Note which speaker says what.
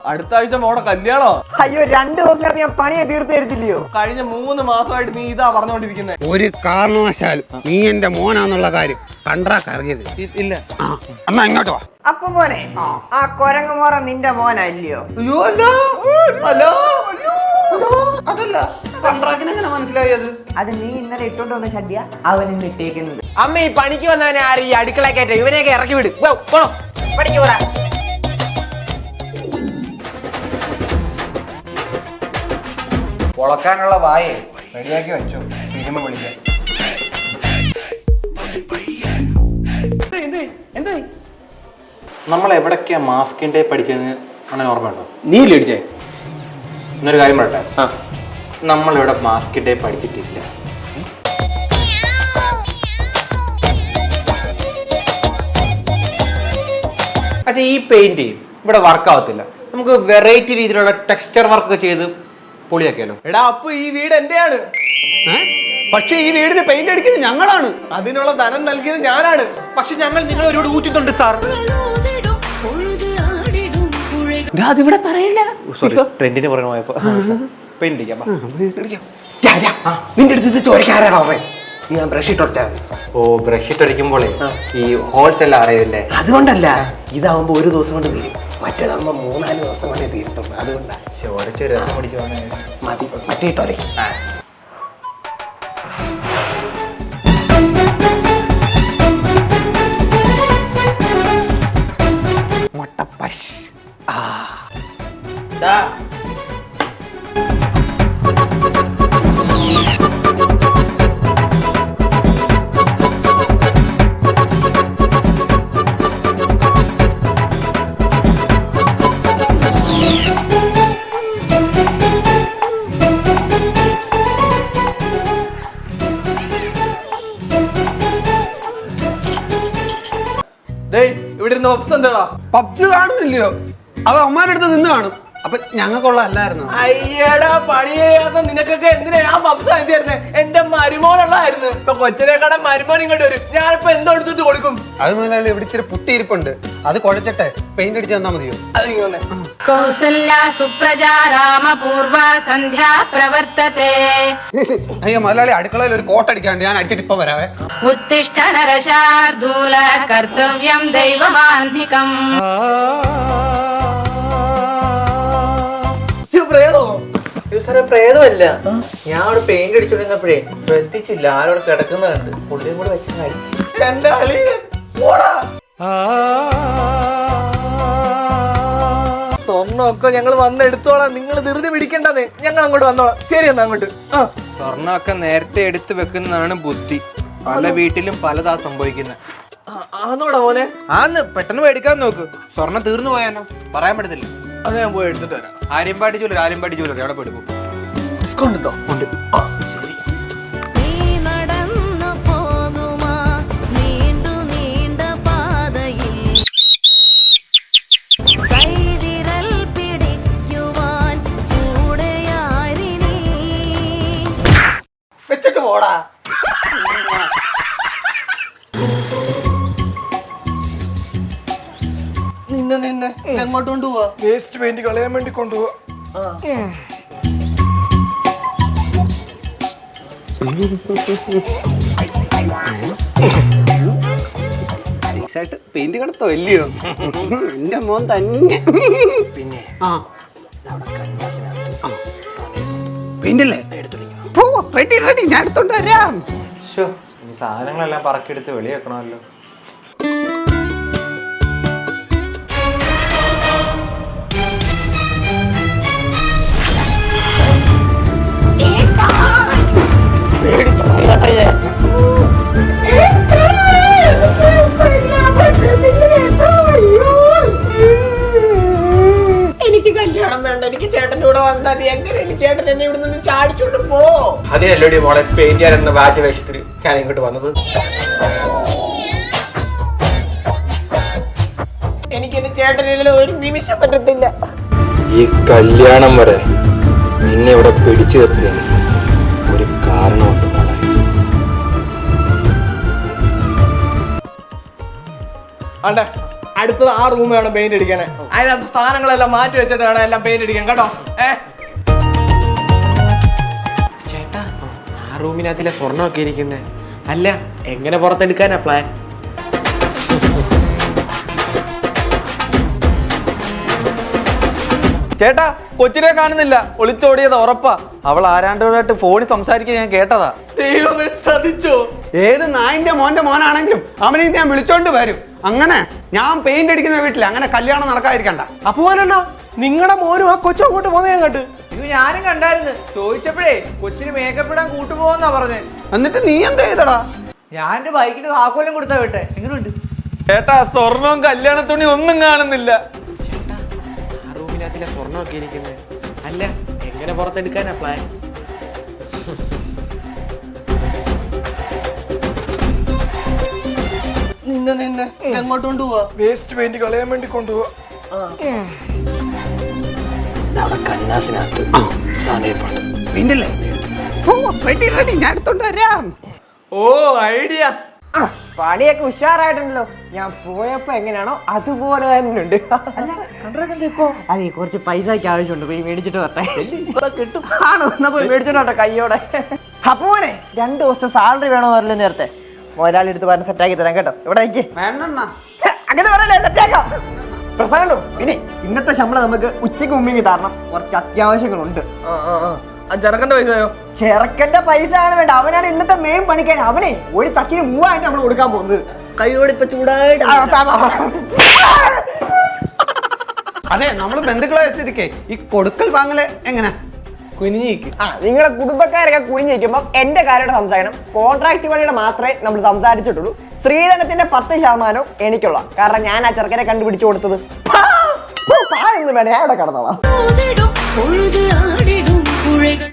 Speaker 1: അടുത്ത ആഴ്ച മോടെ കല്യാണോ?
Speaker 2: അയ്യോ 2 ദിവസം ഞാൻ പണിയെ തീർത്ത് തരുത്തില്ലയോ?
Speaker 1: കഴിഞ്ഞ 3 മാസമായിട്ട് നീ ഇതാ പറഞ്ഞോണ്ടിരിക്കുന്നത്.
Speaker 3: ഒരു കാരണവശാലും നീ എന്റെ മോനാന്നുള്ള കാര്യം കണ്ടാ കറിയരുത്.
Speaker 1: ഇല്ല.
Speaker 3: എന്നാ ഇങ്ങോട്ട് വാ.
Speaker 2: അപ്പൊ മോനെ ആ കൊരങ്ങമോറ നിന്റെ മോനല്ലയോ?
Speaker 1: അയ്യോ അല്ല അതല്ല. കണ്ട്രാക്കിനെങ്ങനെ മനസ്സിലായത്?
Speaker 2: അത് നീ ഇന്നലെ ഇട്ടോണ്ട് വന്ന ഷഡ്യ അവൻ ഇന്ന് ഇട്ടേക്കുന്നത്.
Speaker 4: അമ്മ ഈ പണിക്ക് വന്നവനെ ആരും ഈ അടുക്കള കയറ്റ ഇവനെയൊക്കെ ഇറക്കി വിട്. പോണോ പണിക്ക് പോടാ.
Speaker 1: പൊളക്കാനുള്ള വായേ റെഡിയാക്കി വെച്ചു. സിനിമ വിളിക്കാം.
Speaker 5: നമ്മൾ എവിടൊക്കെയാ മാസ്കിൻ്റെ പഠിച്ചതെന്ന് അങ്ങനെ ഓർമ്മയുണ്ടോ?
Speaker 1: നീ ലടിച്ചേ.
Speaker 5: എന്നൊരു കാര്യം പറയട്ടെ, നമ്മളിവിടെ മാസ്കിൻ്റെ പഠിച്ചിട്ടില്ല. പക്ഷേ ഈ പെയിന്റ് ഇവിടെ വർക്കാവത്തില്ല. നമുക്ക് വെറൈറ്റി രീതിയിലുള്ള ടെക്സ്ചർ വർക്ക് ചെയ്ത് പൊളിയാക്കിയാലോ?
Speaker 1: എടാ അപ്പൊ ഈ വീട് എന്റെയാണ്.
Speaker 3: പക്ഷെ ഈ വീടിന് പെയിന്റ് അടിക്കുന്നത് ഞങ്ങളാണ്.
Speaker 1: അതിനുള്ള ധനം നൽകിയത് ഞാനാണ്.
Speaker 5: പക്ഷെ ഞങ്ങൾ നിങ്ങൾ ഒരുപാട് ഊറ്റുന്നുണ്ട് സാർ.
Speaker 3: അതിവിടെ പറയില്ല.
Speaker 5: സോറി, ട്രെൻഡിന് പുറകെ പോയപ്പോ പെയിന്റ് അടിക്കാം.
Speaker 4: നിന്റെ അടുത്ത് ഇത് ചോദിക്കാരാണോ അവൻ? ഞാൻ ബ്രഷ് ഇട്ടൊടിച്ചാൽ.
Speaker 5: ഓ, ബ്രഷ് ഇട്ടടിക്കുമ്പോളേ ഈ ഹോൾസ് എല്ലാം അറിയില്ലേ?
Speaker 4: അതുകൊണ്ടല്ല, ഇതാവുമ്പോ ഒരു ദിവസം കൊണ്ട് തീരും. മറ്റേതാകുമ്പോ 3-4 ദിവസം കൊണ്ടേ തീരത്തുള്ളൂ. അതുകൊണ്ടാണ്.
Speaker 5: ഒരച്ച് രസം പിടിച്ചു
Speaker 4: മതി, മറ്റേ ഇട്ടോലെ.
Speaker 3: മുട്ടപ്പശ്.
Speaker 1: ഇവിടെ ഇരുന്ന് ഒപ്സ് എന്താടാ?
Speaker 3: പബ്ജി കാണുന്നില്ലയോ? അത് അമ്മാരുടെ അടുത്ത് നിന്ന് കാണും. അപ്പൊ ഞങ്ങൾക്കുള്ള അല്ലായിരുന്നു.
Speaker 1: അയ്യടാ, പണി ചെയ്യാത്ത നിനക്കൊക്കെ എന്തിനാ ഞാൻ പപ്സ് വാങ്ങിച്ചു തരുന്നേ? എന്റെ മരുമോനുള്ളതായിരുന്നു. ഇപ്പൊ കൊച്ചിനെക്കാടെ മരുമോൻ ഇങ്ങോട്ട് വരും. ഞാനിപ്പോ എന്തോ എടുത്തിട്ട് കൊടുക്കും.
Speaker 3: അത് മുതലാളി ഇവിടെ ഇച്ചിരി പുട്ടിയിരിപ്പുണ്ട്. അത് കുഴച്ചിട്ടെ പെയിന്റ് അടിച്ച് തന്നാ മതിയോ?
Speaker 1: അതിങ്ങനെ
Speaker 6: കൗസല്യ സുപ്രജാ രാമപൂർവ സന്ധ്യാ പ്രവർത്തത്തെ.
Speaker 3: അയ്യോ മുതലാളി, അടുക്കളയിൽ ഒരു കോട്ടടിക്കാണ്ട്, ഞാൻ അടിച്ചിട്ട് ഇപ്പൊ വരാവേ.
Speaker 6: ഉത്തിഷ്ഠ നരശാർദൂല കർത്തവ്യം ദൈവമാന്തികം.
Speaker 4: സാറേ, പ്രേതമല്ല. ഞാൻ അവിടെ പെയിന്റ് അടിച്ചോണ്ടിരുന്നപ്പോഴേ ശ്രദ്ധിച്ചില്ല, ആരോട് കിടക്കുന്ന കണ്ട് പുള്ളിയും കൂടെ വെച്ച് അടിച്ചു.
Speaker 1: എന്റെ അളിയൻ. പോടാ. സ്വർണ്ണമൊക്കെ ഞങ്ങൾ വന്ന് എടുത്തോളാം. നിങ്ങൾ ധൃതി പിടിക്കണ്ടെന്നേ. ഞങ്ങൾ അങ്ങോട്ട് വന്നോളാം. ശരി എന്നാ അങ്ങോട്ട്.
Speaker 5: സ്വർണ്ണമൊക്കെ നേരത്തെ എടുത്തു വെക്കുന്നതാണ് ബുദ്ധി. പല വീട്ടിലും പലതാ സംഭവിക്കുന്നത്.
Speaker 1: ആന്നോടാ മോനെ?
Speaker 5: ആന്ന്, പെട്ടെന്ന് മേടിക്കാൻ നോക്ക്. സ്വർണ്ണം തീർന്നു പോയാനോ? പറയാൻ പറ്റത്തില്ല.
Speaker 1: അത് ഞാൻ പോയി എടുത്തിട്ട് വരാം.
Speaker 5: ആര്യമ്പാടി ജൂലർ എവിടെ പോയി?
Speaker 1: ഡിസ്കൗണ്ട് ഉണ്ടോ? ഉണ്ട്.
Speaker 4: വെച്ചിട്ട് പോടാ.
Speaker 1: നിന്നെ എങ്ങോട്ട് കൊണ്ടുപോവാ?
Speaker 7: വേസ്റ്റ് പെയിന്റ് കളയാൻ വേണ്ടി കൊണ്ടുപോവാ.
Speaker 3: പെയിന്റ് കടത്തോ ഇല്ലയോ? എന്റെ മോൻ തന്നെ.
Speaker 5: പിന്നെ
Speaker 3: പെയിന്റ് അല്ലേ? റെഡി, ഞാൻ എടുത്തോണ്ട് വരാം.
Speaker 5: ഈ സാധനങ്ങളെല്ലാം പറക്കിയെടുത്ത് വെളി വെക്കണമല്ലോ.
Speaker 4: എനിക്ക് കല്യാണം വേണ്ട. എനിക്ക് ചേട്ടൻ്റെ കൂടെ വന്നാൽ മതി. എങ്ങനെയാണ് ചേട്ടൻ എന്നെ ഇവിടെ നിന്ന് ചാടിച്ചോണ്ട് പോ?
Speaker 5: അതിനല്ലോടി മോളെ പെയിന്റ് ചെയ്യാനെന്ന വാച്ച് വേഷത്തിൽ ഞാൻ ഇങ്ങോട്ട് വന്നത്.
Speaker 4: എനിക്ക് എന്റെ ചേട്ടനില്ല ഒരു നിമിഷം പറ്റത്തില്ല.
Speaker 5: ഈ കല്യാണം വരെ നിന്നെ ഇവിടെ പിടിച്ചു നിർത്തിയതിന് ഒരു കാരണമുണ്ട് മോളെ.
Speaker 1: ആണ്ടെ അടുത്തത് ആ റൂം വേണം പെയിന്റ് അടിക്കാനേ. അതിനകത്ത് സ്ഥാനങ്ങളെല്ലാം മാറ്റി വെച്ചിട്ട് വേണം എല്ലാം പെയിന്റ് അടിക്കാൻ കേട്ടോ. ചേട്ടാ, ആ റൂമിനകത്തിലെ സ്വർണ്ണമൊക്കെ ഇരിക്കുന്നേ. അല്ല, എങ്ങനെ പുറത്തെടുക്കാനാ പ്ലാൻ?
Speaker 8: ചേട്ടാ, കൊച്ചിനെ കാണുന്നില്ല, ഒളിച്ചോടിയത് ഉറപ്പാ. അവൾ ആരാണ്ടോടായിട്ട് ഫോണിൽ സംസാരിക്കാൻ ഞാൻ കേട്ടതാ.
Speaker 1: ദൈവമേ, ചതിച്ചോ?
Speaker 3: ഏത് നായിന്റെ മോനാണെങ്കിലും അവനെ ഞാൻ വിളിച്ചോണ്ട് വരും. അങ്ങനെ ഞാൻ പെയിന്റ് അടിക്കുന്ന വീട്ടിൽ അങ്ങനെ കല്യാണം നടക്കാതിരിക്കണ്ട.
Speaker 1: അപ്പോലെന്നാ നിങ്ങളുടെ മോനും ആ കൊച്ചു അങ്ങോട്ട് പോകുന്ന ഞാൻ കണ്ടു.
Speaker 4: ഇത് ഞാനും കണ്ടായിരുന്നു. ചോദിച്ചപ്പോഴേ കൊച്ചിന് മേക്കപ്പ് ഇടാൻ കൂട്ടുപോകുന്നാ പറഞ്ഞേ.
Speaker 3: എന്നിട്ട് നീ എന്താ ചെയ്തടാ?
Speaker 4: ഞാൻ എന്റെ ബൈക്കിന് താക്കോലും കൊടുത്താ വിട്ടെ. എങ്ങനെയുണ്ട്
Speaker 8: ചേട്ടാ, സ്വർണവും കല്യാണ തുണി ഒന്നും കാണുന്നില്ല.
Speaker 1: ചേട്ടാ, ആ റൂമിനകത്തിലെ സ്വർണ്ണമൊക്കെ ഇരിക്കുന്നേ. അല്ല, എങ്ങനെ പുറത്തെടുക്കാനാ പ്ലാൻ? നിന്നെ എങ്ങോട്ട് കൊണ്ടുപോവാ?
Speaker 7: വേസ്റ്റ് പെയിന്റ് കളയാൻ വേണ്ടി കൊണ്ടുപോവാ.
Speaker 3: ഞാൻ എടുത്തോണ്ട് വരാം.
Speaker 1: ഓ, ഐഡിയ.
Speaker 2: പണിയൊക്കെ ഉഷാറായിട്ടുണ്ടല്ലോ. ഞാൻ പോയപ്പോ എങ്ങനെയാണോ അതുപോലെ തന്നെ ഉണ്ട്. അതെ, കുറച്ച് പൈസക്ക് ആവശ്യമുണ്ട്, പോയി മേടിച്ചിട്ട് വരട്ടെ. കിട്ടും ആണോ? എന്നാ പോയി മേടിച്ചിട്ട് വരട്ടെ കയ്യോടെ. അപ്പോനെ 2 ദിവസത്തെ സാലറി വേണോ അറിയില്ല. നേരത്തെ മുതലാളി എടുത്ത് പറഞ്ഞ് സെറ്റാക്കി തരാം കേട്ടോ. ഇവിടെ നിൽക്ക്. അങ്ങനെ പറയല്ലേ, സെറ്റാക്കാം. പ്രസാദോ, പിന്നെ ഇന്നത്തെ ശമ്പളം നമുക്ക് ഉച്ചയ്ക്ക് മുമ്പിൽ തരണം. കുറച്ച് അത്യാവശ്യങ്ങളുണ്ട്.
Speaker 1: ചെറുക്കന്റെ പൈസയോ?
Speaker 2: ചെറുക്കന്റെ പൈസ ആണ് വേണ്ട, അവനാണ് ഇന്നത്തെ മെയിൻ പണിക്കാരൻ. അവനെ ഒരു തക്കിന് 3000 നമ്മൾ കൊടുക്കാൻ പോകുന്നത്. കൈയോടെ ഇപ്പൊ ചൂടായിട്ട്
Speaker 3: അതെ, നമ്മള് ബന്ധുക്കളെ സ്ഥിതിക്ക് ഈ കൊടുക്കൽ വാങ്ങല് എങ്ങനെ?
Speaker 1: കുനിഞ്ഞിക്ക്.
Speaker 2: നിങ്ങളുടെ കുടുംബക്കാരൊക്കെ കുനിഞ്ഞിരിക്കുമ്പോ എന്റെ കാര്യമായിട്ട് സംസാരിക്കണം. കോൺട്രാക്ട് പണിയുടെ മാത്രമേ നമ്മൾ സംസാരിച്ചിട്ടുള്ളൂ. സ്ത്രീധനത്തിന്റെ 10% എനിക്കുള്ള, കാരണം ഞാൻ ആ ചെറുക്കനെ കണ്ടുപിടിച്ചു കൊടുത്തത്. എന്ന് വേണേ ഞാൻ ഇവിടെ കടന്നോളാം.